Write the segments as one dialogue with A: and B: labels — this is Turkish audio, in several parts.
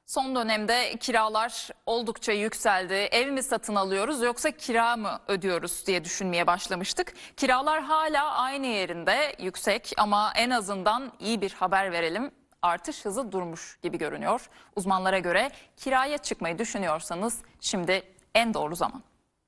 A: Son dönemde kiralar oldukça yükseldi. Ev mi satın alıyoruz yoksa kira mı ödüyoruz diye düşünmeye başlamıştık. Kiralar hala aynı yerinde yüksek ama en azından iyi bir haber verelim. Artış hızı durmuş gibi görünüyor. Uzmanlara göre kiraya çıkmayı düşünüyorsanız şimdi en doğru zaman.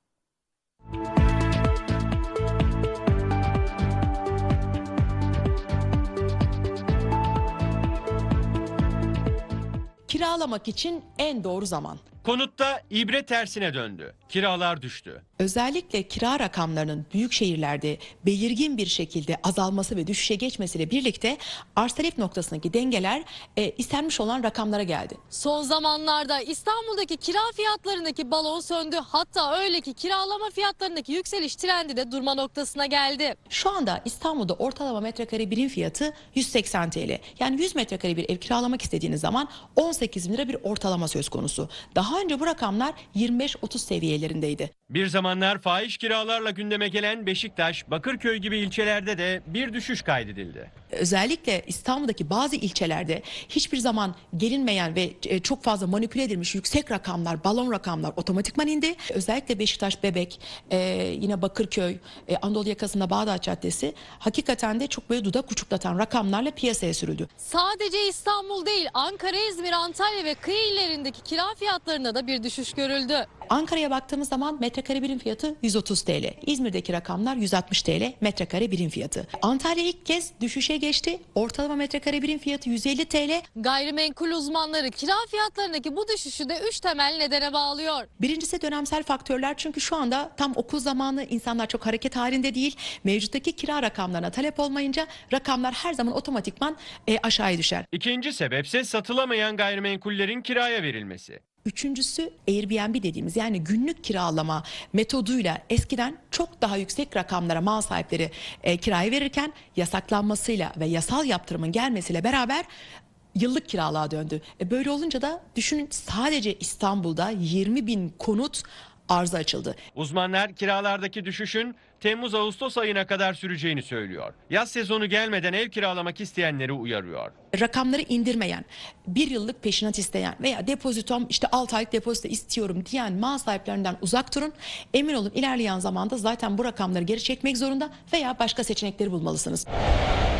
B: Kiralamak için en doğru zaman.
C: Konutta ibre tersine döndü. Kiralar düştü.
B: Özellikle kira rakamlarının büyük şehirlerde belirgin bir şekilde azalması ve düşüşe geçmesiyle birlikte arz talep noktasındaki dengeler istenmiş olan rakamlara geldi.
D: Son zamanlarda İstanbul'daki kira fiyatlarındaki balon söndü. Hatta öyle ki kiralama fiyatlarındaki yükseliş trendi de durma noktasına geldi.
B: Şu anda İstanbul'da ortalama metrekare birim fiyatı 180 TL. Yani 100 metrekare bir ev kiralamak istediğiniz zaman 18 bin lira bir ortalama söz konusu. Daha önce bu rakamlar 25-30 seviyelerindeydi.
C: Bir zamanlar fahiş kiralarla gündeme gelen Beşiktaş, Bakırköy gibi ilçelerde de bir düşüş kaydedildi.
B: Özellikle İstanbul'daki bazı ilçelerde hiçbir zaman gelinmeyen ve çok fazla manipüle edilmiş yüksek rakamlar, balon rakamlar otomatikman indi. Özellikle Beşiktaş, Bebek, yine Bakırköy, Anadolu yakasında Bağdat Caddesi hakikaten de çok böyle dudak uçuklatan rakamlarla piyasaya sürüldü.
D: Sadece İstanbul değil, Ankara, İzmir, Antalya ve kıyı illerindeki kira fiyatlarında da bir düşüş görüldü.
B: Ankara'ya baktığımız zaman metrekare birim fiyatı 130 TL. İzmir'deki rakamlar 160 TL metrekare birim fiyatı. Antalya ilk kez düşüşe geçti. Ortalama metrekare birim fiyatı 150 TL.
D: Gayrimenkul uzmanları kira fiyatlarındaki bu düşüşü de 3 temel nedene bağlıyor.
B: Birincisi dönemsel faktörler, çünkü şu anda tam okul zamanı, insanlar çok hareket halinde değil. Mevcuttaki kira rakamlarına talep olmayınca rakamlar her zaman otomatikman aşağıya düşer.
C: İkinci sebepse satılamayan gayrimenkullerin kiraya verilmesi.
B: Üçüncüsü Airbnb dediğimiz, yani günlük kiralama metoduyla eskiden çok daha yüksek rakamlara mal sahipleri kiraya verirken yasaklanmasıyla ve yasal yaptırımın gelmesiyle beraber yıllık kiralığa döndü. Böyle olunca da düşünün, sadece İstanbul'da 20 bin konut arıza açıldı.
C: Uzmanlar kiralardaki düşüşün Temmuz-Ağustos ayına kadar süreceğini söylüyor. Yaz sezonu gelmeden ev kiralamak isteyenleri uyarıyor.
B: Rakamları indirmeyen, bir yıllık peşinat isteyen veya depozitom işte 6 aylık depozito istiyorum diyen mal sahiplerinden uzak durun. Emin olun, ilerleyen zamanda zaten bu rakamları geri çekmek zorunda veya başka seçenekleri bulmalısınız.